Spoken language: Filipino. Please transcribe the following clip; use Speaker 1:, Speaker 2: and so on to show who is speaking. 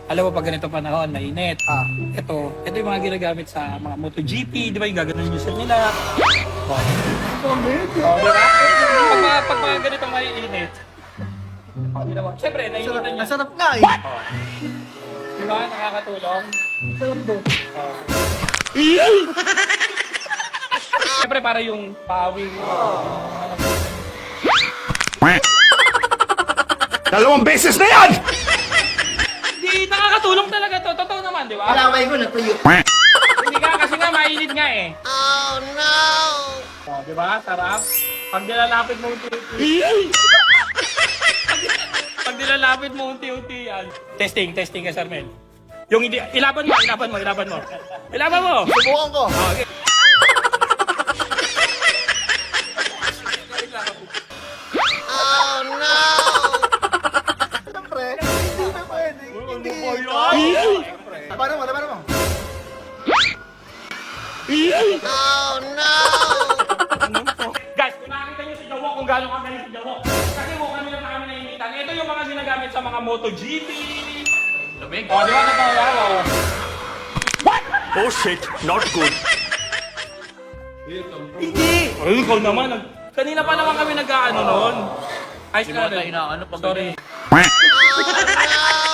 Speaker 1: Alam mo, pag ganito panahon, mainit. Ito yung mga ginagamit sa mga MotoGP, di ba yung gaganon yung set nila. Di ba? Pag mga ganitong maiinit, ginawa. Siyempre, nainitan niya.
Speaker 2: Ang sarap nga eh.
Speaker 1: Di ba? Nakakatulong.
Speaker 2: Sarap doon.
Speaker 1: Siyempre, para yung pawing.
Speaker 3: Dalawang beses na yan!
Speaker 1: Hindi, nakakatulong talaga to. Totoo naman, di ba?
Speaker 2: Alaway ko natuyo.
Speaker 1: Hindi ka, kasi nga mainit nga eh. Oh, no! Oh, di ba? Sarap. Pag nilalapit mo unti-unti. Pag nilalapit mo unti-unti yan. Testing ka, Sir Mel. Yung hindi, ilaban mo. Ilaban mo!
Speaker 2: Subukan ko.
Speaker 1: Okay.
Speaker 2: Siyempre, hindi na pwede. Hindi. Labanan mo.
Speaker 1: Guys, kung nakakita nyo si Jawo kung gano'ng kagaling si Jawo. Kasi mo kami lang na kami nainitan. Ito yung mga ginagamit sa mga MotoGP. Lumig. O, di ba? Nagpapagawa.
Speaker 3: Oh shit, not good.
Speaker 1: Hindi! Ay, ikaw naman. Kanina pa naman kami nag-ano noon. Ay, sorry.
Speaker 4: Inaano pa ba?
Speaker 1: Sorry.
Speaker 3: Quack.